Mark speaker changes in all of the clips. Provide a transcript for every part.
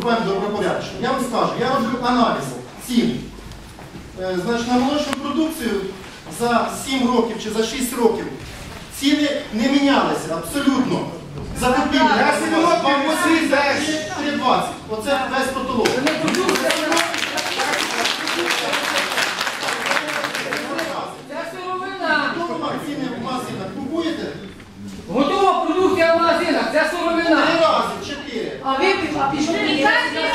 Speaker 1: буквально добропорядочно. Я вам скажу, я роблю аналіз цін. Значить, на молочну продукцію за 7 років чи за 6 років ціни не мінялися абсолютно. Закупівлі. 3,20. Оце весь потолок. Ціни в магазинах купуєте?
Speaker 2: Готова продукція в магазинах, це сировина.
Speaker 1: 3 рази, 4.
Speaker 2: А ви пішли.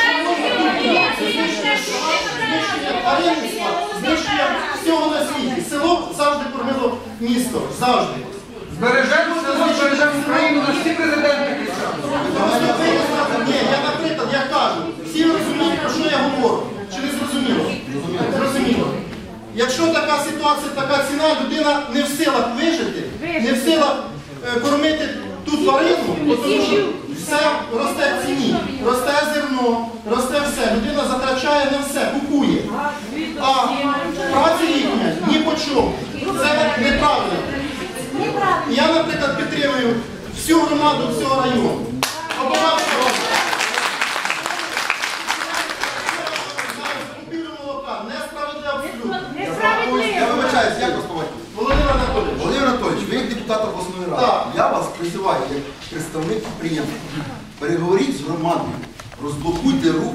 Speaker 1: Знищення тваринництва, знищення всього на світі. Село завжди кормило місто. Завжди.
Speaker 3: Збережемо село, збережемо Україну, на всі президенти кричали.
Speaker 1: Ні, я, наприклад, я кажу, всі розуміють, про що я говорю. Чи не зрозуміло? Зрозуміло. Якщо така ситуація, така ціна, людина не в силах вижити, не в силах кормити ту тварину, тому що все росте в ціні, росте зерно, росте все. Людина затрачає на все, купує. А праця їхня ні по чому. Це неправильно. Я, наприклад, підтримую всю громаду всього району.
Speaker 4: Я вибачаюсь, як вас побачив?
Speaker 1: Володимир Анатолійович.
Speaker 4: Володимир Анатолійович, ви як депутат обласної ради,
Speaker 1: Так.
Speaker 4: я вас призиваю як представник підприємства. Переговоріть з громадою, розблокуйте рух.